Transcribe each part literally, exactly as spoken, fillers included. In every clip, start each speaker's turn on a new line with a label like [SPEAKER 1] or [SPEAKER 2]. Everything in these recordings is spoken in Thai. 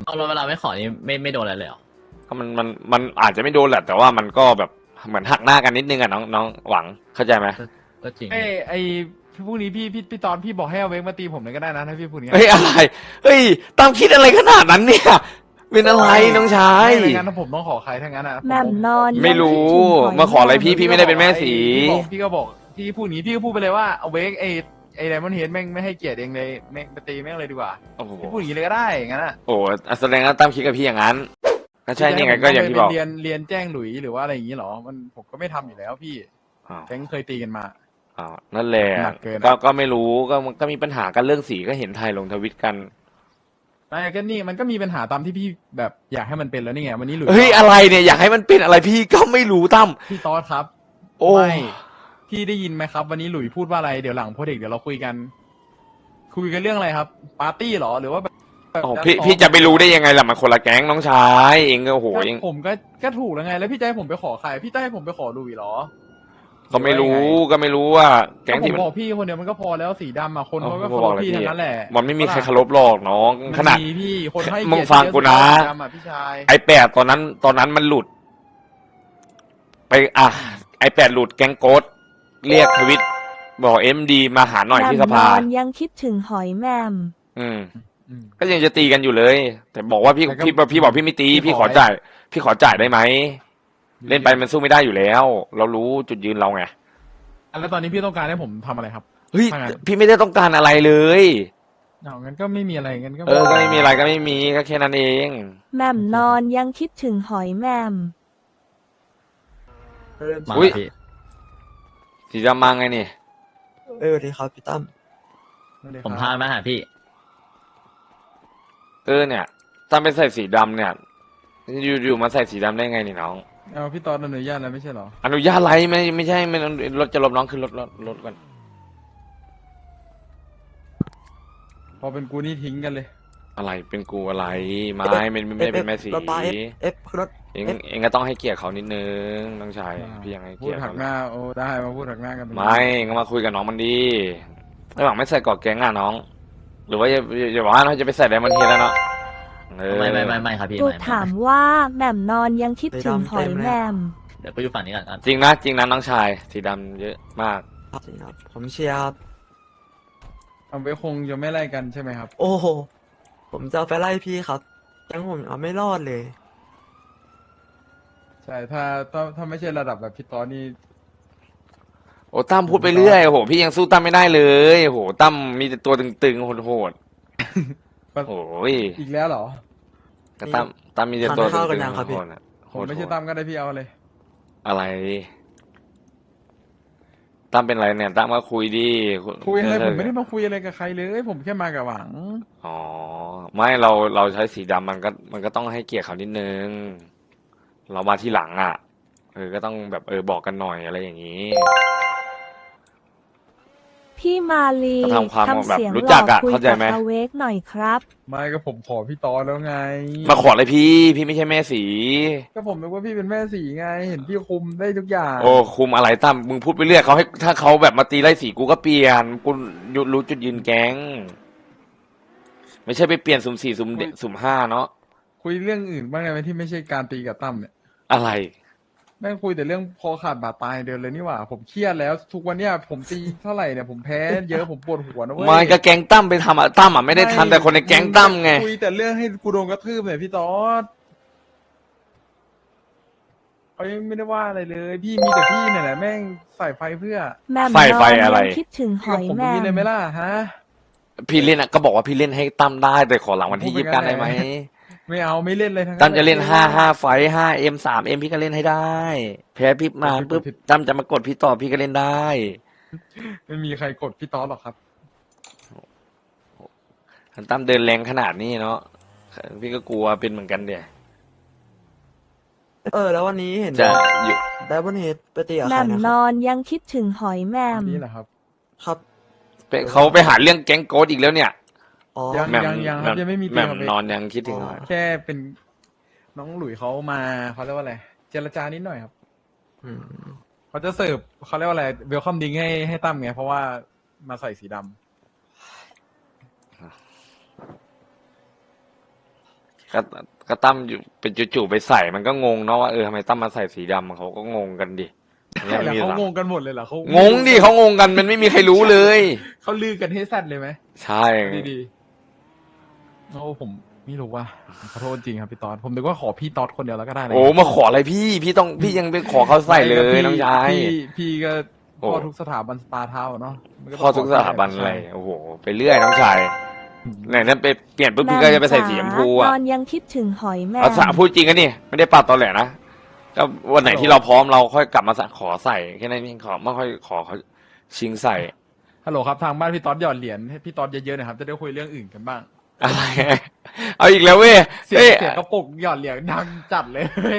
[SPEAKER 1] เอาเราเวลาไม่ขอนี่ไม่ไม่โดนอะไรเลยเหรอ
[SPEAKER 2] ก็มันมันมันอาจจะไม่โดนแหละแต่ว่ามันก็แบบเหมือนหักหน้ากันนิดนึงอะน้องน้องหวังเข้าใจไหม
[SPEAKER 1] ก็จริง
[SPEAKER 3] ไอ้ไอ้พรุ่งนี้พี่พี่พี่ตอนพี่บอกให้เอาเวกมาตีผมเลยก็ได้นะถ้าพี่พูดอย่าง
[SPEAKER 2] เฮ้
[SPEAKER 3] นี้
[SPEAKER 2] ยอะไรเฮ้ยตั้มคิดอะไรขนาดนั้นเนี่ยเป็นอะไรน้องชาย
[SPEAKER 3] ไม่งั้นผมต้องขอใครทั้งนั้นอ่ะ
[SPEAKER 4] แหม่มนอน
[SPEAKER 2] ไม่รู้
[SPEAKER 4] ยังคิดถึงหย
[SPEAKER 2] มาขออะไรพี่พี่ไม่ได้เป็นแม่สี
[SPEAKER 3] พี่บอกพี่ก็บอกพี่พูดอย่างนี้พี่ก็พูดไปเลยว่าเอาเวกไอ้ไอ้ไดมอนด์เฮดแม่งไม่ให้เกียรติเองเลยแม่งไปตีแม่งเลยดีกว่า
[SPEAKER 2] โอ้โห
[SPEAKER 3] พี่พูดอย่างนี้เลยก็ได้อย่างนั้นอ่ะ
[SPEAKER 2] โอ้โหแสดงว่าตั้มคิดกับพี่อย่างนั้นก็ใช่นี่ไงก็อย่างที่บอก
[SPEAKER 3] เรียนเรียนแจ้งหลุยหรือว่าอะไรอย่างนี้เหรอมันผมก็ไม่ทำอยู่แล้วพี่
[SPEAKER 2] อ้าว
[SPEAKER 3] แก๊งเคยตีกันมา
[SPEAKER 2] อ้าวนั่นแหละ
[SPEAKER 3] หนักเกินอะ
[SPEAKER 2] ก็ก็ไม่รู้ก็ก็มีปัญหากันเรื่องสีก็เห็นไทยลงทวิตกัน
[SPEAKER 3] ไม่ก็นี่มันก็มีปัญหาตามที่พี่แบบอยากให้มันเป็นแล้วนี่ไงวันนี้หลุย
[SPEAKER 2] เฮ้ยอะไรเนี่ยอยากให้มันเป็นอะไรพี่ก็ไม่รู้ตั้ม
[SPEAKER 3] พี่ตอสครับ
[SPEAKER 2] โอ้
[SPEAKER 3] ไม่พี่ได้ยินไหมครับ วันนี้หลุยพูดว่าอะไรเดี๋ยวหลังโปรเจกต์เดี๋ยวเราคุยกัน คุยกันเรื่องอะไรครับ ปาร์ตี้เหรอหรือว่าแบบแบบ
[SPEAKER 2] โอ้พี่พี่จะไปรู้ได้ยังไงล่ะมันคนละแก๊งน้องชายเองก็โอ้โห
[SPEAKER 3] ก็
[SPEAKER 2] เอง
[SPEAKER 3] ผมก็ก็ถูกแล้วไง แล้วพี่จะให้ผมไปขอใครพี่จะให้ผมไปขอหลุยเหรอ
[SPEAKER 2] ก็ไม่รู้ก็ไม่รู้ว่าแก๊
[SPEAKER 3] ก็
[SPEAKER 2] ง
[SPEAKER 3] ผ
[SPEAKER 2] ที่
[SPEAKER 3] ม
[SPEAKER 2] มัน
[SPEAKER 3] บอกพี่คนเดียวมันก็พอแล้วสีดำอ่ะคนเขาก็
[SPEAKER 2] เอา
[SPEAKER 3] เคาร
[SPEAKER 2] บอก
[SPEAKER 3] พ
[SPEAKER 2] เลย
[SPEAKER 3] พี่
[SPEAKER 2] พี่
[SPEAKER 3] ทั้งนั้นแหละ
[SPEAKER 2] มันไม่มีใครเคารพหรอกน้องขนาด
[SPEAKER 3] มัมีพี่คนให้
[SPEAKER 2] มึ
[SPEAKER 3] เกี
[SPEAKER 2] ง
[SPEAKER 3] ยรติ
[SPEAKER 2] ฟังกูนะ
[SPEAKER 3] สีดำอ่ะพี่ชาย
[SPEAKER 2] ไอแปดตอนนั้นตอนนั้นมันหลุด ไปอ่ะไอแปดหลุดแก๊งโกดเรียกทวิตบอกเอ็มดีมาหาหน่อยที่สภา
[SPEAKER 4] แหม่มนอนยังคิดถึงหอยแหม่ม
[SPEAKER 2] อืม
[SPEAKER 3] อืม
[SPEAKER 2] ก็ยังจะตีกันอยู่เลย แต่บอกว่าพี่
[SPEAKER 3] แต่ก็
[SPEAKER 2] พี่พี่บอกพี่ไม่ตี
[SPEAKER 3] พี่
[SPEAKER 2] พี่
[SPEAKER 3] ข
[SPEAKER 2] ข
[SPEAKER 3] อ
[SPEAKER 2] อจ่าย พี่ขอจ่ายได้ไหมเล่นไปมันสู้ไม่ได้อยู่แล้ว เรารู้จุดยืนเราไง
[SPEAKER 3] แล้วตอนนี้พี่ต้องการให้ผมทำอะไรครับ
[SPEAKER 2] เฮ้ย
[SPEAKER 3] ทำไง
[SPEAKER 2] พี่ไม่ได้ต้องการอะไรเลย
[SPEAKER 3] เอางั้นก็ไม่มีอะไรงั้นก็
[SPEAKER 2] เออก็ไม่มีอะไรก็ไม่มีก็แค่นั้นเอง
[SPEAKER 4] แหม่มนอนยังคิดถึงหอยแหม่ม
[SPEAKER 1] มา
[SPEAKER 2] อุ๊ย
[SPEAKER 1] พี่
[SPEAKER 2] สีดำมาไงนี่
[SPEAKER 5] เออสวัสดีครับพี่ตั้ม
[SPEAKER 3] ไได้ครับ
[SPEAKER 1] ผมพามาหาพี่
[SPEAKER 2] เออเนี่ยถ้าไปใส่สีดำเนี่ยอยู่อยู่มาใส่สีดำได้ไงนี่น้อง
[SPEAKER 3] เอาพี่ตอนอนุญาตแล้วไม่ใช่เหรอ
[SPEAKER 2] อนุญาตอะไรไม่ไม่ใช่ไม่รถจะลบน้องขึ้นรถรถรถกัน
[SPEAKER 3] พอเป็นกูนี่ทิ้งกันเลย
[SPEAKER 2] อะไรเป็นกูอะไรไม่ไม่ไม่ไม่ได้เป็นแม่สี
[SPEAKER 5] รถปลาเอฟเอฟรถ
[SPEAKER 2] เอง
[SPEAKER 5] เอฟ
[SPEAKER 2] เองก็ต้องให้เกียรติเขานิดนึงน้องชายพี่ยังให้
[SPEAKER 3] พู
[SPEAKER 2] เกี
[SPEAKER 3] ด
[SPEAKER 2] ยรติ
[SPEAKER 3] หั
[SPEAKER 2] เขา
[SPEAKER 3] กหน้าโอ้ได้มาพูดหักหน้ากันตรงนี้
[SPEAKER 2] ไม่เองก็มาคุยกับน้องมันดีระหว่างไม่ใส่กอดแก๊งอ่ะน้อง หรือว่าอย่าอย่าบอกว่าเราจะไปใส่ไดมอนด์เฮดแล้วเนาะเออ
[SPEAKER 1] ไม่ไม่ไม่ไม่ครับพี่
[SPEAKER 4] กู
[SPEAKER 1] ไม่ไม่
[SPEAKER 4] ถามว่าแหม่มนอนยังคิดถึงหอยแหม่ม
[SPEAKER 1] เดี๋ยวไปอยู่ฝั่งนี้ก่อนอ่ะ
[SPEAKER 2] จริงนะจริงนะน้องชายสีดำเยอะมาก
[SPEAKER 5] จริงครับผมเชียร์ครับ
[SPEAKER 3] เอาไว้คงจะไม่ไล่กันใช่ไหมครับ
[SPEAKER 5] โอ้โหผมจะเอาไปไล่พี่ครับยังผมเอาไม่รอดเลย
[SPEAKER 3] ใช่ถ้าถ้าถ้าไม่ใช่ระดับแบบพี่ตอนนี่
[SPEAKER 2] โอ้ตั้มพูดไปเรื่อยโอ้โหพี่ยังสู้ตั้มไม่ได้เลยโอ้โหตั้มมีแต่ตัวตึงๆโหดๆโอ้โห
[SPEAKER 3] อีกแล้วเหรอ
[SPEAKER 2] ก็ตั้มตั้มมีแต่ตัว
[SPEAKER 5] ทานข้าวกัน
[SPEAKER 2] ตึ
[SPEAKER 5] ยัง
[SPEAKER 2] ง
[SPEAKER 5] ครับ
[SPEAKER 2] ๆ
[SPEAKER 5] พี่
[SPEAKER 2] โหดๆอะ
[SPEAKER 3] ผมไม่ใช่ตั้มก็ได้พี่เอาเลย
[SPEAKER 2] อะไรตั้มเป็นไรเนี่ยตั้มก็คุยดิ
[SPEAKER 3] คุยอะไร
[SPEAKER 2] เอ
[SPEAKER 3] ผ
[SPEAKER 2] อ
[SPEAKER 3] มไม่ได้มาคุยอะไรกับใครเลย ผมแค่มากับหวัง
[SPEAKER 2] อ๋อไม่เราเราใช้สีดำมันก็มันก็ต้องให้เกียรติเขานิดนึง เรามาที่หลังอ่ะเออก็ต้องแบบเออบอกกันหน่อยอะไรอย่างนี้
[SPEAKER 4] พี่มาลี
[SPEAKER 2] ก็ทำความ
[SPEAKER 4] ทำ
[SPEAKER 2] แบบ
[SPEAKER 4] เสียง
[SPEAKER 2] รู้
[SPEAKER 4] ห
[SPEAKER 2] จั
[SPEAKER 4] ล่อก
[SPEAKER 2] อะ
[SPEAKER 4] คุย
[SPEAKER 2] เข้าใจ
[SPEAKER 4] กับ
[SPEAKER 2] ไหม
[SPEAKER 4] อเวกหน่อยครับ
[SPEAKER 3] ไม่ก็ผมขอพี่ตอนแล้วไง
[SPEAKER 2] มาขอเลยพี่ พี่ไม่ใช่แม่สี
[SPEAKER 3] ก็ผมนึกว่าพี่เป็นแม่สีไง เห็นพี่คุมได้ทุกอย่าง
[SPEAKER 2] โอ้คุมอะไรตั้มมึงพูดไปเรื่อยเขาให้ถ้าเขาแบบมาตีไล่สีกูก็เปลี่ยนกูรู้จุดยืนแก๊งไม่ใช่ไปเปลี่ยนสุ่มสี่สุ่มเดสุ่มห้าเนาะ
[SPEAKER 3] คุยเรื่องอื่นบ้างไงไหมที่ไม่ใช่การตีกับตั้มเนี่ย
[SPEAKER 2] อะไร
[SPEAKER 3] แม่งคุยแต่เรื่องคอขาดบาดตายเดียวเลยนี่หว่า ผมเครียดแล้ว ทุกวันเนี้ยผมตีเท่าไหร่เนี่ยผมแพ้เยอะผมปวดหัวนะเว้ย
[SPEAKER 2] ไมันก็แก๊งตั้มไปทำอะตั้มอะไม่ได้ทำแต่คนในแก๊งตั้มไง
[SPEAKER 3] คุยแต่เรื่องให้กูโดนกระทืบเนี่ยพี่ตอดเขายังไม่ได้ว่าอะไรเลย พี่มีแต่พี่เนี่ยแหละแม่งใส่ไฟเพื่อ
[SPEAKER 4] แหม่ม
[SPEAKER 2] ไฟ
[SPEAKER 4] น
[SPEAKER 2] ไฟ
[SPEAKER 4] อน
[SPEAKER 2] อะไร
[SPEAKER 4] ยังคิดถึงห
[SPEAKER 3] พี่
[SPEAKER 4] อ
[SPEAKER 3] กับ
[SPEAKER 4] ย
[SPEAKER 3] ผม
[SPEAKER 4] แหม่
[SPEAKER 3] มีเลยไหม
[SPEAKER 4] ม
[SPEAKER 3] ล่ะฮะ
[SPEAKER 2] พี่เล่นอะก็บอกว่าพี่เล่นให้ตั้มได้แต่ขอหลังวันที่
[SPEAKER 3] พู
[SPEAKER 2] ยี่
[SPEAKER 3] ด
[SPEAKER 2] สิ
[SPEAKER 3] ไป
[SPEAKER 2] บ
[SPEAKER 3] งั้
[SPEAKER 2] เก้าน ได้ไหม
[SPEAKER 3] ไม่เอาไม่เล่นเลยทั้ง
[SPEAKER 2] ตั้มจะเล่นห้าห้าไฟห้าเอ็มสามเอ็มพี่ก็เล่นให้ได้ แพ้พี่มาปุ๊บตั้มจะมากดพี่ต่อพี่ก็เล่นได้
[SPEAKER 3] ไม่มีใครกดพี่ตอดหรอกครับ
[SPEAKER 2] ตั้มเดินแรงขนาดนี้เนาะพี่ก็กลัวเป็นเหมือนกันเดี๋ย
[SPEAKER 5] เออ แล้ววันนี้เห็น
[SPEAKER 2] จะอยู่
[SPEAKER 5] ไดบอนเฮดไปตีกับ
[SPEAKER 4] แห
[SPEAKER 5] ใคร
[SPEAKER 4] ม่ม
[SPEAKER 5] นะ
[SPEAKER 4] น
[SPEAKER 5] ครับ
[SPEAKER 4] อนยังคิดถึงหอยแหม่ม
[SPEAKER 3] นี่แหละครับ
[SPEAKER 5] ครับ
[SPEAKER 2] ไปเขาไปหาเรื่องแก๊งโกดอีกแล้วเนี่ย
[SPEAKER 5] อ๋อ
[SPEAKER 3] ยัง
[SPEAKER 2] แหม่ม
[SPEAKER 3] ยังครับยังไม่มี
[SPEAKER 2] แหม่ม
[SPEAKER 3] เตียงครับ
[SPEAKER 2] นอนยังคิดถึง
[SPEAKER 5] อ๋อ
[SPEAKER 2] หน่อย
[SPEAKER 3] แค่เป็นน้องหลุยเขามาเขาเรียกว่าอะไรเจรจานิดหน่อยครับ
[SPEAKER 5] อืม
[SPEAKER 3] เขาจะเสิร์ฟเขาเรียกว่าอะไรเวลคัมดิงให้ให้ตั้มไงเพราะว่ามาใส่สีดำ
[SPEAKER 2] ก็ก็ตั้มอยู่เป็นจู่ๆไปใส่มันก็งงเนาะว่าเออทำไมตั้มมาใส่สีดำเขาก็งงกันดิ
[SPEAKER 3] ใช่เหรอเขางงกันหมดเลยเหรอเขา
[SPEAKER 2] งงดิเขางงกันมันไม่มีใครรู้เลย
[SPEAKER 3] เขาลือกันให้แซดเลยไหม
[SPEAKER 2] ใช่
[SPEAKER 3] ดีๆโอ้ผมไม่รู้ว่าขอโทษจริงครับพี่ตอดผมนึกว่าขอพี่ตอดคนเดียวแล้วก็ได้นะ
[SPEAKER 2] โอ้มาขออะไรพี่พี่ต้องพี่ยังไปขอเขาใส่เลย
[SPEAKER 3] ไม่ก็
[SPEAKER 2] น้องชาย
[SPEAKER 3] พี่พี่ก็
[SPEAKER 2] โอ้
[SPEAKER 3] พ่อทุกสถาบันสตาร์เท้าเนาะมันต้ง
[SPEAKER 2] พ่อทุกสถาบันอะไรโอ้โหไปเรื่อยน้องชายไหนนั่นไปเปลี่ยนปุ๊บพี่ก็จะไปใส่สีชมพู
[SPEAKER 4] น
[SPEAKER 2] อ่ะ
[SPEAKER 4] อนยังคิดถึงหอยแมม
[SPEAKER 2] เอาสะพูดจริงกันนี่ไม่ได้ปาดตอนแหลนะก็วันไหนที่เราพร้อมเราค่อยกลับมาขอใส่แค่นั้นเองขอไม่ค่อยขอเขาชิงใส่
[SPEAKER 3] ฮัลโหลครับทางบ้านพี่ตอดหยอดเหรียญให้พี่ตอดเยอะๆหนะครับจะได้คุยเรื่องอื่นกันบ้าง
[SPEAKER 2] อะไร เอาอีกแล้วเว้ย
[SPEAKER 3] เสียง
[SPEAKER 2] เอ้ย
[SPEAKER 3] เสียงกระปุกหยอดเหรียญดังจัดเลย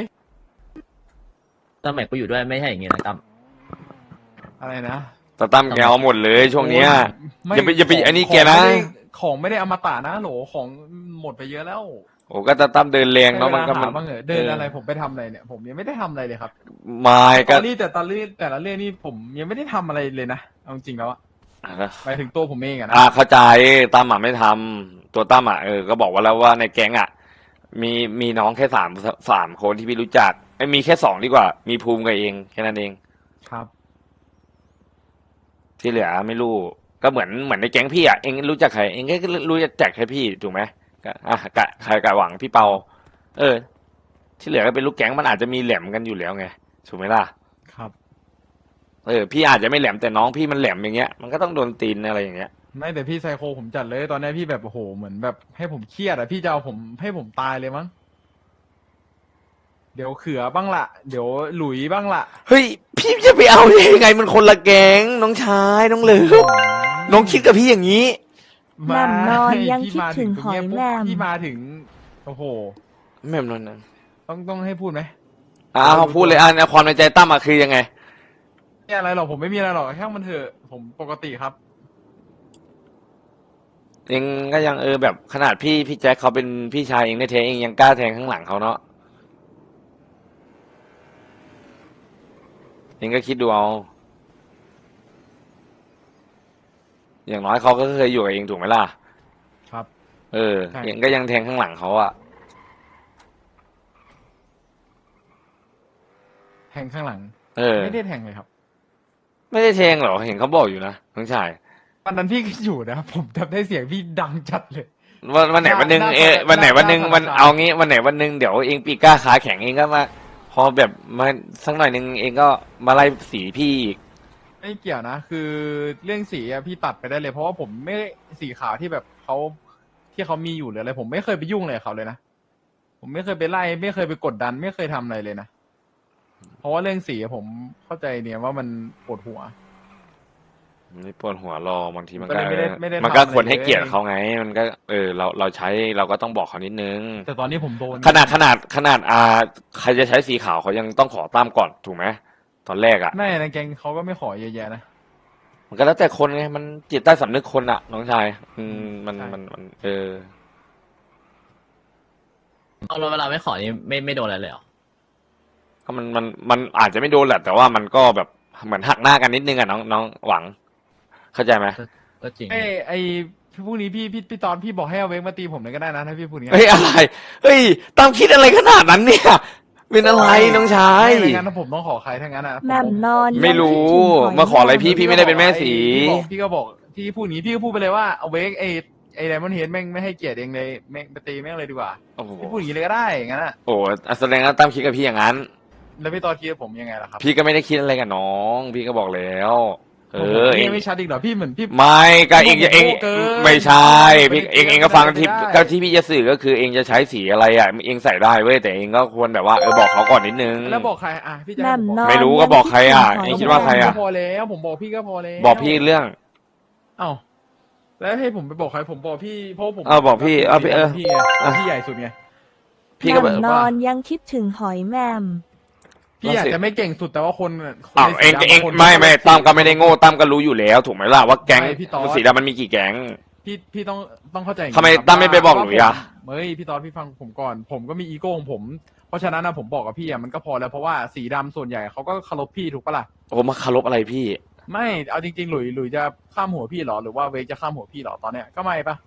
[SPEAKER 1] ตั้มแม็กกูอยู่ด้วยไม่ใช่อย่างงี้นะตั้ม
[SPEAKER 3] อะไรนะ
[SPEAKER 2] ตาตั้มแกเอาหมดเลยช่วงเนี้ย
[SPEAKER 3] ไม่
[SPEAKER 2] อย่าไปอย่าไป
[SPEAKER 3] ขง
[SPEAKER 2] อันนี้
[SPEAKER 3] ของ
[SPEAKER 2] แกนะ
[SPEAKER 3] ไม่ได้ของไม่ได้อมตะนะโหลของหมดไปเยอะแล้ว
[SPEAKER 2] โอ้ก็ตาตั้มเดินแรงเนาะมันก็
[SPEAKER 3] ให้
[SPEAKER 2] มั
[SPEAKER 3] เวน ลาหาบ้างเหรอะเดินอะไรผมไปทำอะไรเนี่ย ผมยังไม่ได้ทำอะไรเลยครับ
[SPEAKER 2] ไมา
[SPEAKER 3] ต
[SPEAKER 2] ก็
[SPEAKER 3] อนนี้แต่ตอนนี้แต่ละเรื่องนี่ผมยังไม่ได้ทำอะไรเลยนะเอาจริงๆแล้วอะหมายถึงตัวผมเองอะนะ
[SPEAKER 2] อ่าเข้าใจตั้มอ่ะไม่ทำตัวตั้มอ่ะเออก็บอกว่าแล้วว่าในแก๊งอ่ะ มีมีน้องแค่สามสามคนที่พี่รู้จักไม่มีแค่สองดีกว่า มีภูมิกับเองแค่นั้นเอง
[SPEAKER 3] ครับ
[SPEAKER 2] ที่เหลือไม่รู้ก็เหมือนเหมือนในแก๊งพี่อ่ะเองรู้จักใครเองก็รู้จักแค่พี่ถูกไหมก็อ่ะกะใครกะหวังพี่เปา เออ ที่เหลือก็เป็นลูกแก๊งมันอาจจะมีแหลมกันอยู่แล้วไงถูกไหมล่ะ
[SPEAKER 3] ครับ
[SPEAKER 2] เออพี่อาจจะไม่แหลมแต่น้องพี่มันแหลมอย่างเงี้ยมันก็ต้องโดนตีนอะไรอย่างเงี้ย
[SPEAKER 3] ไม่แต่พี่ไซโคผมจัดเลยตอนนี้พี่แบบโอ้โหเหมือนแบบให้ผมเครียดอะพี่จะเอาผมให้ผมตายเลยมั้งเดี๋ยวเขือบ้างละเดี๋ยวหลุยบ้างละ
[SPEAKER 2] เฮ้ยพี่จะไปเอาได้ยังไงมันคนละแก๊งน้องชายน้องเหลิฟน้องคิดกับพี่อย่างนี้
[SPEAKER 4] แหม่มนอนยัง
[SPEAKER 3] พี่
[SPEAKER 4] คิดถึงหอยแหม่ม
[SPEAKER 3] พี่มาถึงโอ้โห
[SPEAKER 2] แม่มนนนั้น
[SPEAKER 3] ต้องต้องให้พูดไหม
[SPEAKER 2] อ่าเขาพูดเลยอ่าความในใจตั้มอะคือยังไง
[SPEAKER 3] ไม่อะไรหรอกผมไม่มีอะไรหรอกแค่มันเถอะผมปกติครับ
[SPEAKER 2] เองก็ยังเออแบบขนาดพี่พี่แจ็คเขาเป็นพี่ชายเองในเทเองยังกล้าแทงข้างหลังเขาเนาะเองก็คิดดูเอาอย่างน้อยเขาก็เคยอยู่กับเองถูกไหมล่ะ
[SPEAKER 3] ครับ
[SPEAKER 2] เออ
[SPEAKER 3] ใช่
[SPEAKER 2] เองก็ยังแทงข้างหลังเขาอะ
[SPEAKER 3] แทงข้างหลัง
[SPEAKER 2] เออ
[SPEAKER 3] ไม่ได้แทงเลยครับ
[SPEAKER 2] ไม่ได้แทงหรอเห็นเขาบอกอยู่นะน้องชาย
[SPEAKER 3] วันนั้นพี่ก็อยู่นะผมจำได้เสียงพี่ดังจัดเลย
[SPEAKER 2] วันวันไหนวันหนึ่ง
[SPEAKER 3] น่า
[SPEAKER 2] เออ
[SPEAKER 3] น่า
[SPEAKER 2] วันไหนวันหนึ่ง
[SPEAKER 3] น่า
[SPEAKER 2] วัน
[SPEAKER 3] สนใจ
[SPEAKER 2] เอางี้วันไหนวันหนึ่งเดี๋ยวเองปีกล้าขาแข็งเองก็มา พอแบบมาสักหน่อยหนึ่งเองก็มาไล่สีพี่อีก
[SPEAKER 3] ไม่เกี่ยวนะ คือเรื่องสีอะพี่ตัดไปได้เลย เพราะว่าผมไม่สีขาวที่แบบเขาที่เขามีอยู่หรืออะไรผมไม่เคยไปยุ่งเลยกับเขาเลยนะผมไม่เคยไปไล่ไม่เคยไปกดดัน ไม่เคยทำอะไรเลยนะเพราะว่าเรื่องสีอะผมเข้าใจเนี่ยว่ามันปวดหัว
[SPEAKER 2] ไม่ปวดหัวรอบางทีมัน
[SPEAKER 3] ก็
[SPEAKER 2] ก็
[SPEAKER 3] เลยไม่ได้ไม่ได้
[SPEAKER 2] มันก็
[SPEAKER 3] ทำอะไร
[SPEAKER 2] ควรให้เกียรติ
[SPEAKER 3] เลย
[SPEAKER 2] เขาไง มันก็เออเราเราใช้เราก็ต้องบอกเขานิดนึง
[SPEAKER 3] แต่ตอนนี้ผมโดน
[SPEAKER 2] ขนาดขนาดขนาดอ่าใครจะใช้สีขาวเขายังต้องขอตามก่อนถูกไหมตอนแรกอ่ะ
[SPEAKER 3] ไม่ในแกงเขาก็ไม่ขอเยอะแยะนะ
[SPEAKER 2] มันก็แล้วแต่คนไงมันจิตใต้สำนึกคนอ่ะ น้องชาย อืมมัน
[SPEAKER 3] ใช่
[SPEAKER 2] มันมันเออ
[SPEAKER 1] เอาแล้วเวลาไม่ขอนี่ไม่ไม่โดนอะไรเลยเหรอ
[SPEAKER 2] ก็มันมันมันอาจจะไม่โดนแหละแต่ว่ามันก็แบบเหมือนหักหน้ากันนิดนึงอ่ะน้องน้องหวัง เข้าใจไหม
[SPEAKER 1] ก็จริง
[SPEAKER 3] ไอ้ไอ้พรุ่งนี้พี่พี่พี่ตอนพี่บอกให้เอาเวกมาตีผมเลยก็ได้นะถ้าพี่พูดอย่างนี้
[SPEAKER 2] เฮ้ยอะไรเฮ้ยตั้มคิดอะไรขนาดนั้นเนี่ย เป็นอะไรน้องชาย
[SPEAKER 3] ไม่งั้นถ้าผมต้องขอใครทั้งนั้นอ่ะ
[SPEAKER 4] แหม่มนอน
[SPEAKER 2] ไม่รู้มาขออะไรพี่พี่ไม่ได้เป็นแม่สี
[SPEAKER 3] พี่บอกพี่ก็บอกพี่พูดอย่างนี้พี่ก็พูดไปเลยว่าเอาเวกไอ้ไอ้ไดมอนด์เฮดแม่งไม่ให้เกียรติเองเลยแม่งไปตีแม่งเลยดีกว่า
[SPEAKER 2] โอ้โห
[SPEAKER 3] พี่พูดอย่างนี้เลยก็ได้อย่างนั้นอ่ะ
[SPEAKER 2] โอ้แสดงว่าตั้มคิดกับพี่อย่างนั้น
[SPEAKER 3] แล้วพี่ตอนคิดกับผมยังไงล่ะครับ
[SPEAKER 2] พี่ก็ไม่ได้คิดอะไรกับน้อง พี่ก็บอกแล้ว เออเอ
[SPEAKER 3] พี่
[SPEAKER 2] ง
[SPEAKER 3] ไม่ชัดอีกเหรอพี่เหมือนพี่
[SPEAKER 2] ไม่ก็เอง
[SPEAKER 3] ผม
[SPEAKER 2] เอง
[SPEAKER 3] โง่เกิน
[SPEAKER 2] ไม่ใช่พี่
[SPEAKER 3] ไม่ได้
[SPEAKER 2] เองเองก็ฟังที่
[SPEAKER 3] ไม่ได้
[SPEAKER 2] ก็ที่พี่จะสื่อก็คือเองจะใช้สีอะไรอ่ะเองใส่ได้เว้ยแต่เองก็ควรแบบว่าเออบอกเขาก่อนนิดนึง
[SPEAKER 3] แล้วบอกใครอ่ะพี่จะ
[SPEAKER 4] แหม่
[SPEAKER 3] ให้
[SPEAKER 4] ม
[SPEAKER 3] ผม
[SPEAKER 4] น
[SPEAKER 3] บ
[SPEAKER 4] อ
[SPEAKER 3] อก
[SPEAKER 4] น
[SPEAKER 2] ไม่รู้ก็บอกใครอ่ะเองคิดว่าใครอ่ะ
[SPEAKER 3] ผมบกพี่ก็พอแล้วผมบอกพี่ก็พอแล้ว
[SPEAKER 2] บอกพี่เรื่อง
[SPEAKER 3] เอ้าแล้วให้ผมไปบอกใครผมบอกพี่เพราะผม
[SPEAKER 2] เอาบอกพี่เอาพี่เออ
[SPEAKER 3] พี่ไงพี่ใหญ่สุดไง
[SPEAKER 2] พี่
[SPEAKER 4] แห
[SPEAKER 2] ก็
[SPEAKER 4] ม่
[SPEAKER 2] แบบ
[SPEAKER 4] มนอนยังคิดถึงหอยแหม่ม
[SPEAKER 3] พี่อาจจะไม่เก่งสุดแต่ว่าคนคน
[SPEAKER 2] อ้าว
[SPEAKER 3] ใน
[SPEAKER 2] เอง
[SPEAKER 3] สีดำ
[SPEAKER 2] เอง
[SPEAKER 3] คน
[SPEAKER 2] ไม่ไม่
[SPEAKER 3] คน
[SPEAKER 2] ตั้มก็ไม่ได้โง่ตั้มก็รู้อยู่แล้วถูกไหมล่ะว่าแก๊ง
[SPEAKER 3] ไม่พี่ตอด
[SPEAKER 2] สีดำมันมีกี่แก๊ง
[SPEAKER 3] พี่พี่ต้องต้องเข้าใจอย่างนี้
[SPEAKER 2] ทำไม
[SPEAKER 3] ครับ
[SPEAKER 2] ตั้มไม่ไปบอก
[SPEAKER 3] ว่า
[SPEAKER 2] หลุยอ่ะ
[SPEAKER 3] ผมเฮ้ยพี่ตอนพี่ฟังผมก่อน ผมก็มีอีโก้ของผม เพราะฉะนั้นนะผมบอกกับพี่อ่ะมันก็พอแล้วเพราะว่าสีดำส่วนใหญ่เขาก็เคารพพี่ถูกปะล่ะ
[SPEAKER 2] โอ้มาคารพอะไรพี่
[SPEAKER 3] ไม่เอาจริงๆหลุยหลุยจะข้ามหัวพี่เหรอหรือว่าเวกจะข้ามหัวพี่เหรอตอนเนี้ยก็ไม่ปะ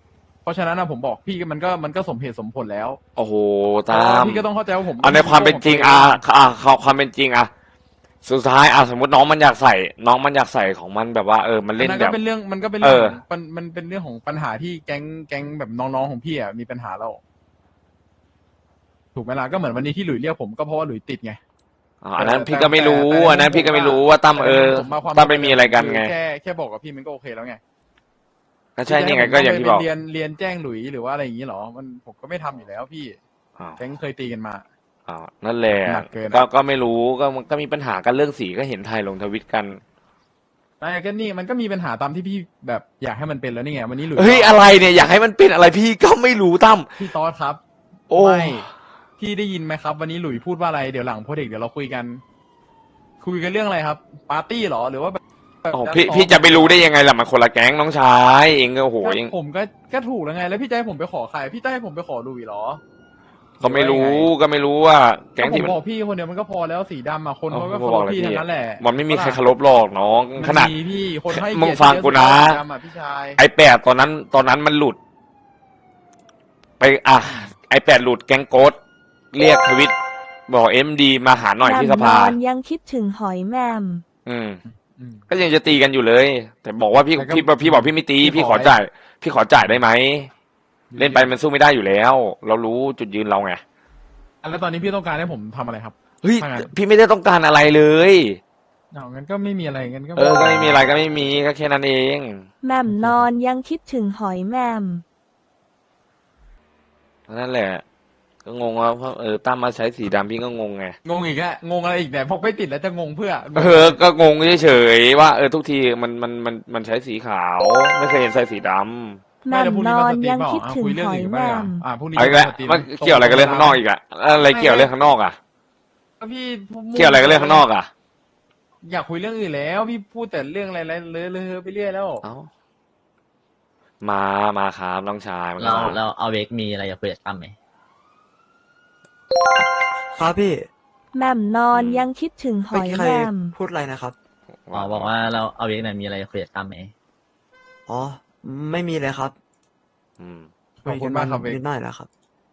[SPEAKER 3] ราะฉะนั้นนะผมบอกพี่มันก็มันก็สมเหตุสมผลแล้ว
[SPEAKER 2] โอ้โห
[SPEAKER 3] แต่
[SPEAKER 2] ตา
[SPEAKER 3] ว่าม พี่ก็ต้องเข้าใจว่าผม
[SPEAKER 2] เอาในความเป็นจริงอ่ะอ่ะความเป็นจริงอ่ะสุดท้ายอ่ะสมมติน้องมันอยากใส่ น้องมันอยากใส่ของมันแบบว่าเออมัน
[SPEAKER 3] เล่
[SPEAKER 2] เล่
[SPEAKER 3] น
[SPEAKER 2] น
[SPEAKER 3] ก็
[SPEAKER 2] แบบ
[SPEAKER 3] เป็นเรื่องมันก็เป็นเรื่อง
[SPEAKER 2] เออ
[SPEAKER 3] ของมันมันเป็นเรื่องของปัญหาที่แก๊งแก๊งแบบน้องๆของพี่อ่ะมีปัญหาแล้วถูกไหมล่ะก็เหมือนวันนี้ที่หลุยเรียกผมก็เพราะว่าหลุยติดไง
[SPEAKER 2] อ่ะอันนั้น
[SPEAKER 3] แต่
[SPEAKER 2] พี่ก็ไม่รู้
[SPEAKER 3] แต่แต่
[SPEAKER 2] อันนั้นพี่ก็ไม่รู้ว่าตั้มเออ
[SPEAKER 3] ผมมาความ
[SPEAKER 2] ตั้มไม่มีอะไรกันไง
[SPEAKER 3] แค่แค่บอกกับพี่มันก็โอเคแล้วไง
[SPEAKER 2] ก็ใช่นี่ไงก็อย่างที่บอก
[SPEAKER 3] เรียนเรียนแจ้งหลุยหรือว่าอะไรอย่างนี้หรอมันผมก็ไม่ทำอยู่แล้วพี่
[SPEAKER 2] อ้าว
[SPEAKER 3] แก๊งเคยตีกันมา
[SPEAKER 2] อ้าวนั่นแหละ
[SPEAKER 3] หนักเกินอะ
[SPEAKER 2] ก็ก็ไม่รู้ก็มันก็มีปัญหากันเรื่องสีก็เห็นไทยลงทวิตกัน
[SPEAKER 3] ไม่ก็นี่มันก็มีปัญหาตามที่พี่แบบอยากให้มันเป็นแล้วนี่ไงวันนี้หลุย
[SPEAKER 2] เฮ้ยอะไรเนี่ยอยากให้มันเป็นอะไรพี่ก็ไม่รู้ตั้ม
[SPEAKER 3] พี่ตอสครับ
[SPEAKER 2] โอ้
[SPEAKER 3] ไม่พี่ได้ยินไหมครับ วันนี้หลุยพูดว่าอะไรเดี๋ยวหลังโพเด็กเดี๋ยวเราคุยกัน คุยกันเรื่องอะไรครับ ปาร์ตี้เหรอหรือว่าแบบแบบ
[SPEAKER 2] โอ้พี่พี่จะไปรู้ได้ยังไงล่ะมันคนละแก๊งน้องชายเองก็โอ้โห
[SPEAKER 3] ก็
[SPEAKER 2] เอง
[SPEAKER 3] ผมก็ก็ถูกแล้วไง แล้วพี่จะให้ผมไปขอใครพี่จะให้ผมไปขอหลุยเหรอ
[SPEAKER 2] ก็ไม่รู้ก็ไม่รู้ว่าแก๊ง
[SPEAKER 3] ก็ผ
[SPEAKER 2] ที่
[SPEAKER 3] ม
[SPEAKER 2] มัน
[SPEAKER 3] บอกพี่คนเดียวมันก็พอแล้วสีดำอ่ะคนเขาก็
[SPEAKER 2] เออ
[SPEAKER 3] เคารพพี่
[SPEAKER 2] ผมบอกเลยพี่
[SPEAKER 3] ทั้งนั้นแหละ
[SPEAKER 2] มันไม่มีใครเคารพหรอกน้อง
[SPEAKER 3] มัน
[SPEAKER 2] ขนาด
[SPEAKER 3] มีพี่คนให้
[SPEAKER 2] มึง
[SPEAKER 3] เกียรติ
[SPEAKER 2] ฟังกูนะ
[SPEAKER 3] สีดำอ่ะพี่ชาย
[SPEAKER 2] ไอแปดตอนนั้น ตอนนั้นมันหลุด ไปอ่ะไอแปดหลุดแก๊งโกดเรียกทวิตบอกเอ็มดีมาหาหน่อยที่สภา
[SPEAKER 4] แหม่มนอนยังคิดถึงหอยแหม่ม
[SPEAKER 2] อืม
[SPEAKER 3] อืม
[SPEAKER 2] ก็ยังจะตีกันอยู่เลย แต่บอกว่าพี่
[SPEAKER 3] แต่ก็
[SPEAKER 2] พี่พี่บอกพี่ไม่ตี
[SPEAKER 3] พี่
[SPEAKER 2] พี่
[SPEAKER 3] ข
[SPEAKER 2] ข
[SPEAKER 3] อ
[SPEAKER 2] อจ่าย พี่ขอจ่ายได้ไหมเล่นไปมันสู้ไม่ได้อยู่แล้ว เรารู้จุดยืนเราไง
[SPEAKER 3] แล้วตอนนี้พี่ต้องการให้ผมทำอะไรครับ
[SPEAKER 2] เฮ้ย
[SPEAKER 3] ถ้างั้น
[SPEAKER 2] พี่ไม่ได้ต้องการอะไรเลย
[SPEAKER 3] เอางั้นก็ไม่มีอะไรงั้นก็
[SPEAKER 2] เออก็ไม่มีอะไรก็ไม่มีก็แค่นั้นเอง
[SPEAKER 4] แหม่มนอนยังคิดถึงหอยแหม่ม
[SPEAKER 2] นั่นแหละ ก็งงว่าเพราะเออตั้มมาใช้สีดำพี่ก็งงไง
[SPEAKER 3] งงอีกแล้วงงอะไรอีกเนี่ยพกไม่ติดแล้วจะงงเพื่อ
[SPEAKER 2] เออ ก็งงเฉยๆว่าเออทุกทีมันมันมันมันใช้สีขาว ไม่เคยเห็นใส่สีดำ
[SPEAKER 4] แหม่มนอนยังคิดถึง
[SPEAKER 3] คุยเรื่
[SPEAKER 4] ห
[SPEAKER 3] อง
[SPEAKER 4] อย
[SPEAKER 3] อื่น
[SPEAKER 4] แห
[SPEAKER 3] บ้าง
[SPEAKER 4] ม่
[SPEAKER 3] อ่ะ
[SPEAKER 4] ม
[SPEAKER 3] อ่าพรุ่งนี้
[SPEAKER 2] เอาอีกแล้ว
[SPEAKER 3] สตรี
[SPEAKER 2] มันเกี่ยวอะไรกับเรื่องข้างนอกอีกอะอะไรเกี่ยวเรื่องข้างนอกอะ
[SPEAKER 3] ก็พี่
[SPEAKER 2] เกี่ยวอะไรกับเรื่องข้างนอกอะ
[SPEAKER 3] อยากคุยเรื่องอื่นแล้ว พี่พูดแต่เรื่องอะไรๆเลอะเลอะไปเรื่อยแล้ว
[SPEAKER 2] เอ้ามามาครับน้องชายมันก็
[SPEAKER 1] เรา
[SPEAKER 2] มา
[SPEAKER 1] เราเอาเวกมีอะไรจะคุยกับตั้มไหม
[SPEAKER 5] ครับพี่
[SPEAKER 4] แหม่มนอนยังคิดถึงห
[SPEAKER 5] เมื่อ
[SPEAKER 4] อย
[SPEAKER 5] กี้
[SPEAKER 4] แห
[SPEAKER 5] ใคร
[SPEAKER 4] ม่ม
[SPEAKER 5] พูดอะไรนะครับ
[SPEAKER 1] อ๋อบอกว่าเราเอาเวกเนี่ยมีอะไรจะคุยกับตั้มไหม
[SPEAKER 5] อ๋อ ไม่มีเลยครับ
[SPEAKER 2] อืม
[SPEAKER 3] ขอบคุณมากครับเวก
[SPEAKER 5] นิดหน่อยแล้วครับ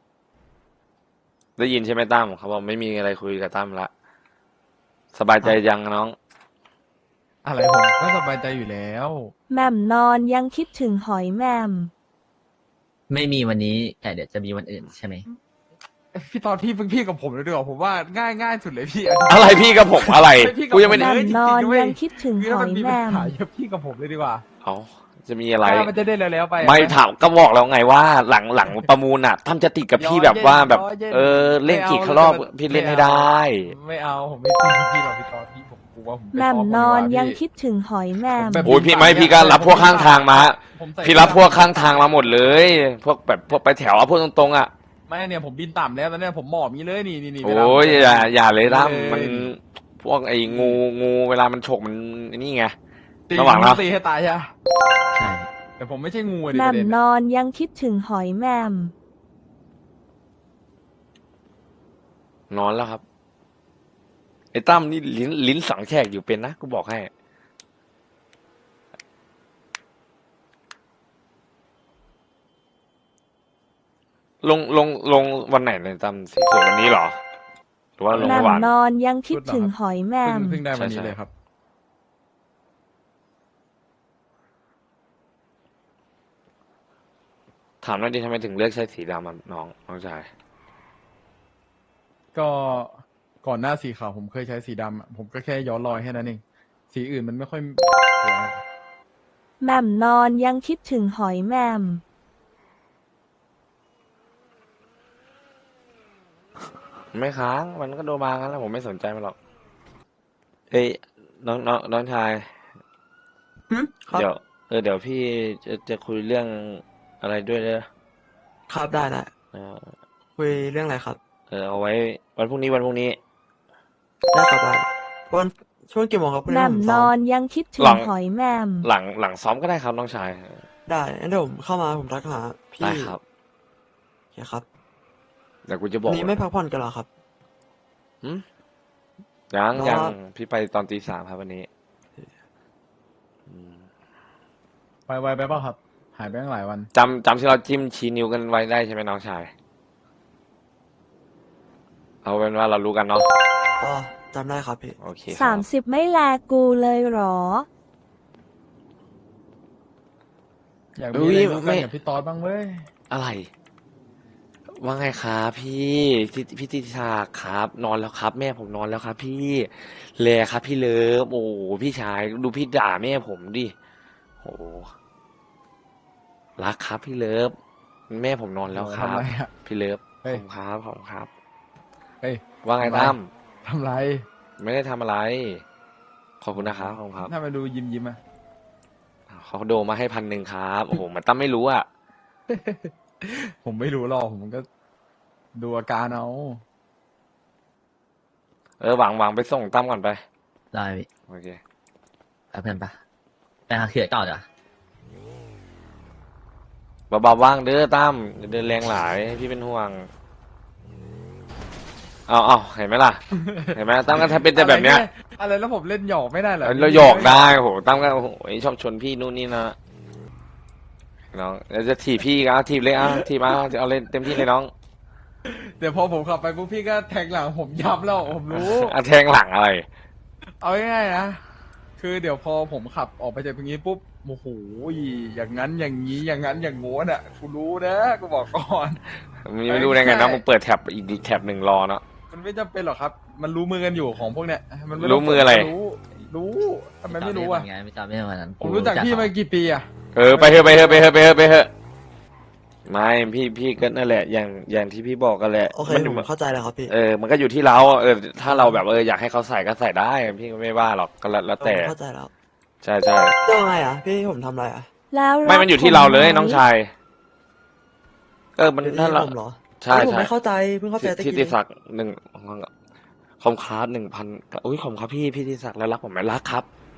[SPEAKER 2] ได้ยินใช่ไหมตั้มเขาบอกไม่มีอะไรคุยกับตั้มละสบายใจยังน้อง
[SPEAKER 3] อะไรผมก็สบายใจอยู่แล้ว
[SPEAKER 4] แหม่มนอนยังคิดถึงหอยแหม่ม
[SPEAKER 1] ไม่มีวันนี้แต่เดี๋ยวจะมีวันอื่นใช่ไหม
[SPEAKER 3] พี่ตอนพี่พี่กับผมเลยดีกว่าผมว่าง่ายง่ายสุดเลยพี่
[SPEAKER 2] อะไรพี่กับผมอะไร
[SPEAKER 3] พี่กับ
[SPEAKER 2] กูยังไม่
[SPEAKER 4] แห
[SPEAKER 2] ได้
[SPEAKER 4] ม่มนอนยังคิดถึง
[SPEAKER 3] คือ
[SPEAKER 4] ห
[SPEAKER 3] ถ้า
[SPEAKER 4] อ
[SPEAKER 3] มัน
[SPEAKER 4] ย
[SPEAKER 3] มี
[SPEAKER 4] แห
[SPEAKER 3] ปัญ
[SPEAKER 4] ม่ม
[SPEAKER 3] หาเยอะพี่กับผมเลยดีกว่า
[SPEAKER 2] เอาจะมีอะไร
[SPEAKER 3] ถ้ามันจะได้แล้วๆไป
[SPEAKER 2] ไม่ถามก็บอกแล้วไงว่า หลังหลังประมูลอ่ะตั้มจะติดกับพี่แบบว่าแบบ
[SPEAKER 3] ย้อนเย็น
[SPEAKER 2] เออเล่น
[SPEAKER 3] ไม่เอา
[SPEAKER 2] กี่รอบ
[SPEAKER 3] ไม่เอา
[SPEAKER 2] พี่เล่นให้ได้
[SPEAKER 3] ไม่เอาผมไม่ตีพี่หรอกพี่ตอนพี่ผมกลัวผมไป
[SPEAKER 4] แหม่ม
[SPEAKER 3] ฟ้ง
[SPEAKER 4] นอน
[SPEAKER 3] ดีกว่า
[SPEAKER 4] ยัง
[SPEAKER 3] พี่
[SPEAKER 4] คิดถึงหอยแหม่ม
[SPEAKER 3] แบบ
[SPEAKER 2] โอ้ยพี่ไม่พี่ก็รับพวกข้างทางมา
[SPEAKER 3] ผมใส่
[SPEAKER 2] พี่รับพวกข้างทางมาหมดเลย พวกแบบพวกไปแถวเอาพวกตรงๆอ่ะ
[SPEAKER 3] ไม่เนี่ยผมบินต่ำแล้วตอนเนี้ยผมหมอบมีเลยนี่นี่นี่เวลา
[SPEAKER 2] โอ้ย
[SPEAKER 3] ผม
[SPEAKER 2] อย่าอย่าเลยตั้ม
[SPEAKER 3] เลย
[SPEAKER 2] มันพวกไอ้งูงูเวลามันฉกมันนี่ไง
[SPEAKER 3] ตี
[SPEAKER 2] ระหว่างนะ
[SPEAKER 3] ตีให้ตายใช่ปะ
[SPEAKER 1] ใช่
[SPEAKER 3] แต่ผมไม่ใช่งูอะดิ
[SPEAKER 4] แห
[SPEAKER 3] ป
[SPEAKER 4] ม่
[SPEAKER 3] ระ
[SPEAKER 4] ม
[SPEAKER 3] เด็น
[SPEAKER 4] นอนยังคิดถึงหอยแหม่ม
[SPEAKER 2] นอนแล้วครับไอ้ตั้มนี่ลิ้นลิ้นสังแขกอยู่เป็นนะกูบอกให้ ลงลงลงวันไหนในยตั้มสีสวยวันนี้เหรอ หรือว่าลง
[SPEAKER 4] แหม่
[SPEAKER 2] เมื่อ
[SPEAKER 4] ม
[SPEAKER 2] วาน
[SPEAKER 4] นอนยังคิดถึงหอยแหม่
[SPEAKER 3] เพิ่
[SPEAKER 4] ม
[SPEAKER 3] งเพิ่งได้วันนี้
[SPEAKER 2] ใช่ๆ
[SPEAKER 3] เลยครับ
[SPEAKER 2] ถามหน่อยดิทำไมถึงเลือกใช้สีดำอะน้องน้องชาย
[SPEAKER 3] ก็ก่อนหน้าสีขาวผมเคยใช้สีดำอะผมก็แค่ย้อนรอยแค่นั้นเองสีอื่นมันไม่ค่อยสวย
[SPEAKER 4] แหม่มนอนยังคิดถึงหอยแหม่ม
[SPEAKER 2] ไม่ค้างมันก็โดนมางั้นแล้วผมไม่สนใจมันหรอกเอ้ยน้องน้องน้องชาย
[SPEAKER 5] หึครับ
[SPEAKER 2] เดี๋ยวเออเดี๋ยวพี่จะจะคุยเรื่องอะไรด้วยเด้อ
[SPEAKER 5] ครับได้ได้
[SPEAKER 2] เออ
[SPEAKER 5] คุยเรื่องอะไรครับ
[SPEAKER 2] เออเอาไว้วันพรุ่งนี้วันพรุ่งนี้
[SPEAKER 5] ได้ครับได้วันช่วงกี่โมงครับพรุ่ง
[SPEAKER 4] แห
[SPEAKER 5] นี้
[SPEAKER 4] ม่ม
[SPEAKER 5] ผม
[SPEAKER 4] น
[SPEAKER 5] ซ้อ
[SPEAKER 4] อ
[SPEAKER 5] ม
[SPEAKER 4] นยังคิดถึ
[SPEAKER 2] หลั
[SPEAKER 4] ง
[SPEAKER 2] ง
[SPEAKER 4] หอยแหม่ม
[SPEAKER 2] หลังหลังซ้อมก็ได้ครับน้องชาย
[SPEAKER 5] ได้งั้นเดี๋ยวผมเข้ามาผมทักหาพี่
[SPEAKER 2] ได้ครับ
[SPEAKER 5] โอเคครับ
[SPEAKER 2] เดี๋ยวกูจะบ
[SPEAKER 5] วั
[SPEAKER 2] อน ก
[SPEAKER 5] นี้ไม่พักผ่อนกันเหรอครับ
[SPEAKER 2] หึยัง
[SPEAKER 5] รอ
[SPEAKER 2] ยังพี่ไปตอนตีสามครับวันนี้อืม
[SPEAKER 3] ไปไวไปเปล่าครับ
[SPEAKER 2] ไ
[SPEAKER 3] หายไปตั้งหลายวัน
[SPEAKER 2] จำจำที่เราจิ้มชี้นิ้วกันไว้ได้ใช่ไหมน้องชาย เอาเป็นว่าเรารู้กันเนาะ
[SPEAKER 5] ก็จำได้ครับพี่
[SPEAKER 2] โอเคค
[SPEAKER 4] สา
[SPEAKER 2] รับ
[SPEAKER 4] มสิบไม่แลกูเลยเหรอ
[SPEAKER 3] อยาก
[SPEAKER 2] อุ๊
[SPEAKER 3] มี
[SPEAKER 2] ย
[SPEAKER 3] อะไรรู้
[SPEAKER 2] ไม่
[SPEAKER 3] กันกับพี่ตอดบ้างเว้ย
[SPEAKER 2] อะไร ว่าไงครับพี่พี่พี่ติชาครับ นอนแล้วครับ แม่ผมนอนแล้วครับ พี่แลครับ พี่เลิฟโอ้โหพี่ชายดูพี่ด่าแม่ผมดิโอ้โหรักครับ พี่เลิฟแม่ผมนอนแล้วค
[SPEAKER 3] ทำ
[SPEAKER 2] รับ
[SPEAKER 3] ไรอะ
[SPEAKER 2] พี่เลิฟข
[SPEAKER 3] เฮ้
[SPEAKER 2] อย บคุณครับขอบคุณครับ
[SPEAKER 3] เฮ้ย
[SPEAKER 2] ว่าไง
[SPEAKER 3] ทำไร
[SPEAKER 2] ตั้ม
[SPEAKER 3] ทำไร
[SPEAKER 2] ไม่ได้ทำอะไร ขอบคุณนะครับขอบคุณครับ
[SPEAKER 3] ถ้ามาดูยิ้มยิ้มๆอะ
[SPEAKER 2] เขาโดมาให้พันหนึ่งครับโอ้โหมันตั้มไม่รู้อ่ะ
[SPEAKER 3] ผมไม่รู้หรอกผมก็ดูอาการเอา
[SPEAKER 2] เออหวังหวังไปส่งตั้มก่อนไป
[SPEAKER 1] ได้พี่
[SPEAKER 2] โอเค
[SPEAKER 1] ไปเพื่อนปะไปหาเขียก่อนเหรอ
[SPEAKER 2] เบาๆว่างเด้อตั้มอย่าเดินแรงหลายพี่เป็นห่วง เอาเอาเห็นไหมล่ะ เห็นไหมตั้มก็ถ้าเป็นแต่แบบเนี้ย
[SPEAKER 3] อะไรแล้วผมเล่นหยอกไม่ได้เหรอ
[SPEAKER 2] เราหยอกได้โอ้โหตั้มก็โอ้โหชอบชนพี่นู่นนี่นะน้องแล้วจะถีบพี่ก็เอาถีบเลยอ่ะถีบมาเอาเลยเต็มที่เลยน้อง
[SPEAKER 3] เดี๋ยวพอผมขับไปปุ๊บพี่ก็แทงหลังผมยับแล้วผมรู้
[SPEAKER 2] อ่ะแทงหลังอะไร
[SPEAKER 3] เอาง่ายๆนะ คือเดี๋ยวพอผมขับออกไปจากตรงนี้ปุ๊บโอ้โหอย่างนั้นอย่างนี้อย่างนั้นอย่างโง้นอ่ะกูรู้นะกูบอกก่อน
[SPEAKER 2] มึงไม่รู้ได้ไงนะมึงเปิดแท็บอีกแท็บหนึ่งรอเนาะ
[SPEAKER 3] มันไม่จำเป็นหรอกครับ มันรู้มือกันอยู่ของพวกเนี้ยมันไม่ต้ง
[SPEAKER 2] รู้มืออะไร
[SPEAKER 3] รู้ รู้ทำไมไม่รู้อ่ะ
[SPEAKER 1] ไงไม่จำไม่ได้วันนั้น
[SPEAKER 3] ผมรู้จักพี่มากี่ปีอ่ะ
[SPEAKER 2] เออไปเถอะไปเถอะไปเถอะไปเถอะไปเถอะไม่พี่พี่ก็นั่นแหละ อย่างอย่างที่พี่บอกกันแหละ
[SPEAKER 5] โอเค
[SPEAKER 2] มัน
[SPEAKER 5] ผมเข้าใจแล้วครับพี่
[SPEAKER 2] เออ มันก็อยู่ที่เราเออ ถ้าเราแบบเอออยากให้เขาใส่ก็ใส่ได้ พี่ก็ไม่ว่าหรอกก็แล้วแล้วแต่
[SPEAKER 5] ผมเข้าใจแล้ว
[SPEAKER 2] ใช่ใช่
[SPEAKER 5] เรื่องอะไรอ่ะ พี่ผมทำอะไรอ่ะ
[SPEAKER 4] แล้ว
[SPEAKER 2] ไม่
[SPEAKER 4] รัก
[SPEAKER 2] มันอยู่ที่เราเลย
[SPEAKER 4] ผมไหม
[SPEAKER 2] น้องชาย เออ มัน
[SPEAKER 5] เป็น
[SPEAKER 2] ถ้า
[SPEAKER 5] ที่
[SPEAKER 2] เรา
[SPEAKER 5] ผมเหรอ
[SPEAKER 2] ใช่
[SPEAKER 5] เฮ้ยผม
[SPEAKER 2] ใช่
[SPEAKER 5] ไม่เข้าใจเพิ่งเข้าใจตะ
[SPEAKER 2] ที่
[SPEAKER 5] กี้
[SPEAKER 2] ที่ศักดิ์หนึ่งคอมคาร์หนึ่งพันอุ้ยขอบคุณครับพี่พี่ที่ศักดิ์แล้วรักผมไหมรักครับ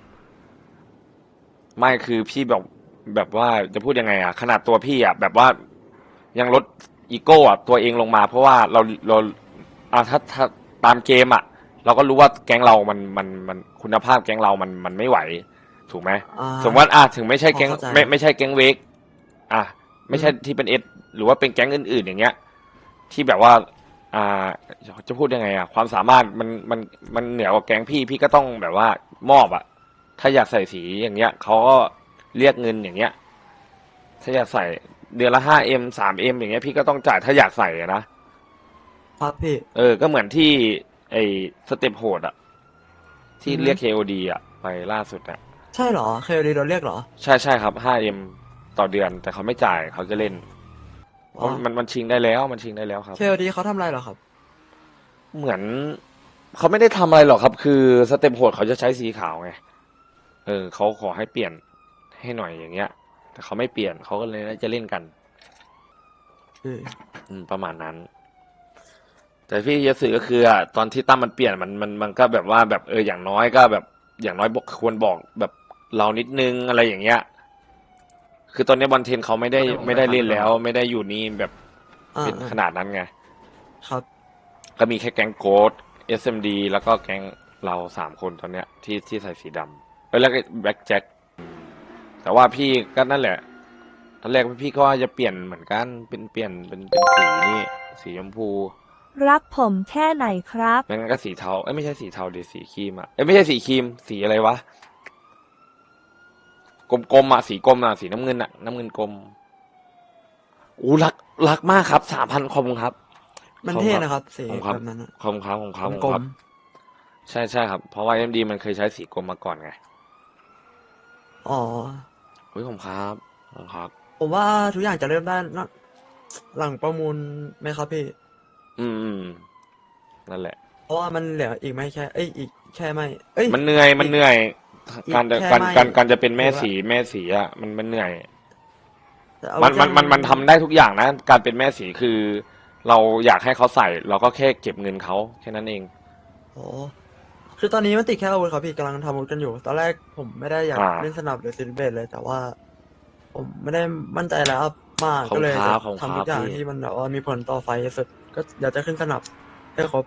[SPEAKER 2] ไม่คือพี่แบบแบบว่าจะพูดยังไงอ่ะ ขนาดตัวพี่อ่ะแบบว่ายังลดอีโก้อ่ะตัวเองลงมา เพราะว่าเราเราอ่ะถ้าถ้าตามเกมอ่ะ เราก็รู้ว่าแก๊งเรามันมันมันคุณภาพแก๊งเรามันมันไม่ไหว ถูกไหม
[SPEAKER 5] อ่า
[SPEAKER 2] สมมติว่าอ่ะถึงไม่ใช่แก๊ง
[SPEAKER 5] พอเข้าใจ
[SPEAKER 2] ไม่ไม่ใช่แก๊งเวกอ่ะไม่ใช่ที่เป็นเอสหรือว่าเป็นแก๊งอื่น ๆ อย่างเงี้ย ที่แบบว่า อ่าจะพูดยังไงอ่ะ ความสามารถมันมันมันเหนือกว่าแก๊งพี่พี่ก็ต้องแบบว่ามอบอ่ะ ถ้าอยากใส่สีอย่างเงี้ยเขาก็เรียกเงินอย่างเงี้ย ถ้าอยากใส่เดือนละห้าเอ็มสามเอ็มอย่างเงี้ยพี่ก็ต้องจ่ายถ้าอยากใส่อะนะครับ
[SPEAKER 5] พี่
[SPEAKER 2] เออก็เหมือนที่ไอสเต็ปโหดอ่ะ ที่
[SPEAKER 5] อือฮึ
[SPEAKER 2] เรียก เค โอ ดี อ่ะ ไปล่าสุดอ่ะ
[SPEAKER 5] ใช่เหรอเคยดีโดนเรียกเหรอ
[SPEAKER 2] ใช่ใช่ครับห้าเอ็มต่อเดือน แต่เขาไม่จ่ายเขาจะเล่นเพ
[SPEAKER 5] อ๋อ
[SPEAKER 2] ราะมันมันชิงได้แล้วมันชิงได้แล้วครับ
[SPEAKER 5] เคดีเขาทำอะไรเหรอครับ
[SPEAKER 2] เหมือนเขาไม่ได้ทำอะไรหรอกครับ คือสเต็ปโหดเขาจะใช้สีขาวไง เออเขาขอให้เปลี่ยนให้หน่อยอย่างเงี้ย แต่เขาไม่เปลี่ยนเขาก็เลยน่าจะเล่นกัน
[SPEAKER 5] อืม
[SPEAKER 2] อืมประมาณนั้น แต่พี่จะสื่อก็คืออ่ะตอนที่ตั้มมันเปลี่ยนมันมันมันก็แบบว่าแบบเอออย่างน้อยก็แบบ อย่างน้อยบอกควรบอกแบบเรานิดนึงอะไรอย่างเงี้ย คือตอนนี้บอลเทนเขาไม่ได้ไม่ได้เล่นแล้ว ไม่ได้อยู่นี่แบบ
[SPEAKER 5] อ่า
[SPEAKER 2] เป็นขนาดนั้นไง
[SPEAKER 5] ครับ
[SPEAKER 2] ก็มีแค่แก๊งโกด เอส เอ็ม ดี แล้วก็แก๊งเราสามคนตอนเนี้ย ที่ที่ใส่สีดำเอ้ยแล้วก็แบ็คแจ็คแต่ว่าพี่ก็นั่นแหละตอนแรกพี่ก็ว่าจะเปลี่ยนเหมือนกันเป็นเปลี่ยนเป็นเป็นสีนี่สีชมพู
[SPEAKER 4] รักผมแค่ไหนครับ
[SPEAKER 2] ไม่งั้นก็สีเทาเอ้ยไม่ใช่สีเทาดิสีครีมอ่ะเอ้ยไม่ใช่สีครีมสีอะไรวะกลมๆอ่ะสีกลมอ่ะสีน้ำเงินอ่ะน้ำเงินกลมอู้รักรักมากครับสามพันขอบคุณครับ
[SPEAKER 5] มันเท่นะครับสี
[SPEAKER 2] ผมครับ
[SPEAKER 5] แบบนั้นอะ
[SPEAKER 2] ขอบคุณครับขอบคุณครับขอบ
[SPEAKER 5] ก
[SPEAKER 2] คุ
[SPEAKER 5] ล
[SPEAKER 2] ณครั
[SPEAKER 5] ม
[SPEAKER 2] บ ใช่ใช่ครับ เพราะว่าเอ็มดีมันเคยใช้สีกรมมาก่อนไง
[SPEAKER 5] ๆอ๋อ
[SPEAKER 2] เฮ้ยผมครับผมครับ
[SPEAKER 5] ผมว่าทุกอย่างจะเริ่มได้นะหลังประมูลไหมครับพี่
[SPEAKER 2] อืมอืมนั่นแหละ
[SPEAKER 5] เพราะว่ามันเหลืออีกไม่แค่ เอ้ยอีกแค่ไม่ เอ้ย
[SPEAKER 2] มันเหนื่อยมันเหนื่อย
[SPEAKER 5] อีก
[SPEAKER 2] การจะ
[SPEAKER 5] แค่
[SPEAKER 2] การ
[SPEAKER 5] ไม่
[SPEAKER 2] การการจะเป็นแม่
[SPEAKER 5] ถือว่า
[SPEAKER 2] สีแม่สีอ่ะมันมันเหนื่อย
[SPEAKER 5] แต่เอา
[SPEAKER 2] มันมัน
[SPEAKER 5] แค่
[SPEAKER 2] มันมันทำได้ทุกอย่างนะ การเป็นแม่สีคือ เราอยากให้เขาใส่ เราก็แค่เก็บเงินเขาแค่นั้นเอง
[SPEAKER 5] โอ้คือตอนนี้มันติดแค่อาวุธครับพี่กำลังทำอาวุธกันอยู่ ตอนแรกผมไม่ได้อยาก
[SPEAKER 2] อ่า
[SPEAKER 5] เล่นสนับหรือซิลเบตเลย แต่ว่า ผมไม่ได้มั่นใจแล้วมาก
[SPEAKER 2] ขอบ
[SPEAKER 5] ก็เลย
[SPEAKER 2] คุณค
[SPEAKER 5] จะ
[SPEAKER 2] รับขอบคุณ
[SPEAKER 5] ทำทุกอย่าง
[SPEAKER 2] ครับพี่
[SPEAKER 5] ที่มันแบบว่ามีผลต่อไฟสุดก็อยากจะขึ้นสนับให้ครบ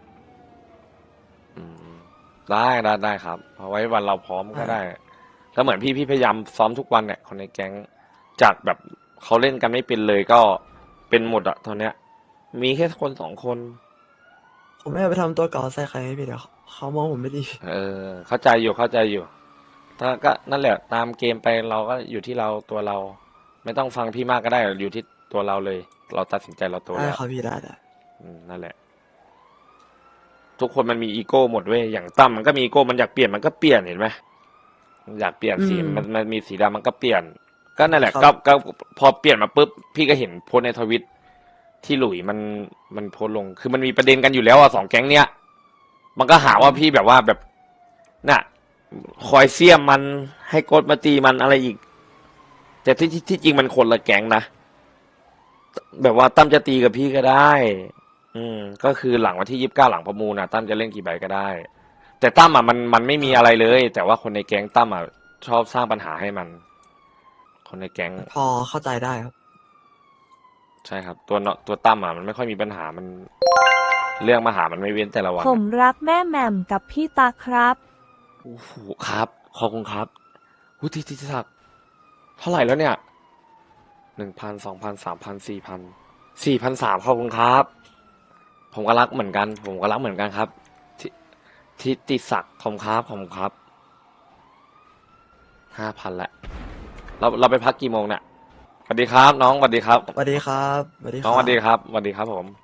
[SPEAKER 2] อืมได้ได้ได้ครับเอาไว้วันเราพร้อมก็
[SPEAKER 5] ได้
[SPEAKER 2] ได้ แล้วเหมือนพี่พี่พยายามซ้อมทุกวันเนี่ยคนในแก๊งจากแบบเขาเล่นกันไม่เป็นเลยก็เป็นหมดอะตอนเนี้ย มีแค่คนสองคน
[SPEAKER 5] ผมไม่เอาไปทำตัวเก่าใส่ใครให้พี่เดี๋ยวเขามองผมไม่ดี
[SPEAKER 2] เออ เข้าใจอยู่เข้าใจอยู่ ถ้าก็นั่นแหละตามเกมไปเราก็อยู่ที่เราตัวเรา ไม่ต้องฟังพี่มากก็ได้อยู่ที่ตัวเราเลย เราตัดสินใจเราตัว
[SPEAKER 5] ได้
[SPEAKER 2] แล้ว
[SPEAKER 5] ครับพี่ได้ได้
[SPEAKER 2] อืมนั่นแหละ ทุกคนมันมีอีโก้หมดเว้ยอย่างตั้มมันก็มีอีโก้มันอยากเปลี่ยนมันก็เปลี่ยนเห็นไหมมันอยากเปลี่ยนสีมันมันมีสีดำมันก็เปลี่ยน ก็นั่นแหละก็ก็พอเปลี่ยนมาปุ๊บพี่ก็เห็นโพสต์ในทวิตที่หลุยมันมันโพสต์ลง คือมันมีประเด็นกันอยู่แล้วอ่ะสองแก๊งเนี้ยมันก็หาว่าพี่แบบว่าแบบน่ะ คอยเสี้ยมมันให้โกดมาตีมันอะไรอีก แต่ที่ที่ที่จริงมันคนละแก๊งนะแบบว่าตั้มจะตีกับพี่ก็ได้ อืม ก็คือหลังวันที่ยี่สิบเก้าหลังประมูลนะตั้มจะเล่นกี่ใบก็ได้ แต่ตั้มอ่ะมันมันไม่มีอะไรเลย แต่ว่าคนในแก๊งตั้มอ่ะชอบสร้างปัญหาให้มัน คนในแก๊ง
[SPEAKER 5] พอเข้าใจได้ครับ
[SPEAKER 2] ใช่ครับ ตัวเนาะตัวตั้มอ่ะมันไม่ค่อยมีปัญหามัน เรื่องมาหามันไม่เว้นแต่ละวัน
[SPEAKER 4] ผมรักแม่แหม่มกับพี่ตาครับ
[SPEAKER 2] โอ้โหครับขอบคุณครับวุฒิทิศักดิ์เท่าไหร่แล้วเนี่ยหนึ่งพันสองพันสามพันสี่พันสี่พันสามขอบคุณครับ ผมก็รักเหมือนกัน ผมก็รักเหมือนกันครับ ทิทิติศักดิ์ขอบคุณครับขอบคุณครับห้าพันละเราเราไปพักกี่โมงเนี่ยสวัสดีครับ น้องสวัสดีครับ
[SPEAKER 5] สวัสดีครับสวัสดีค
[SPEAKER 2] น้อง
[SPEAKER 5] รับ
[SPEAKER 2] สวัสดีครับสวัสดีครับผม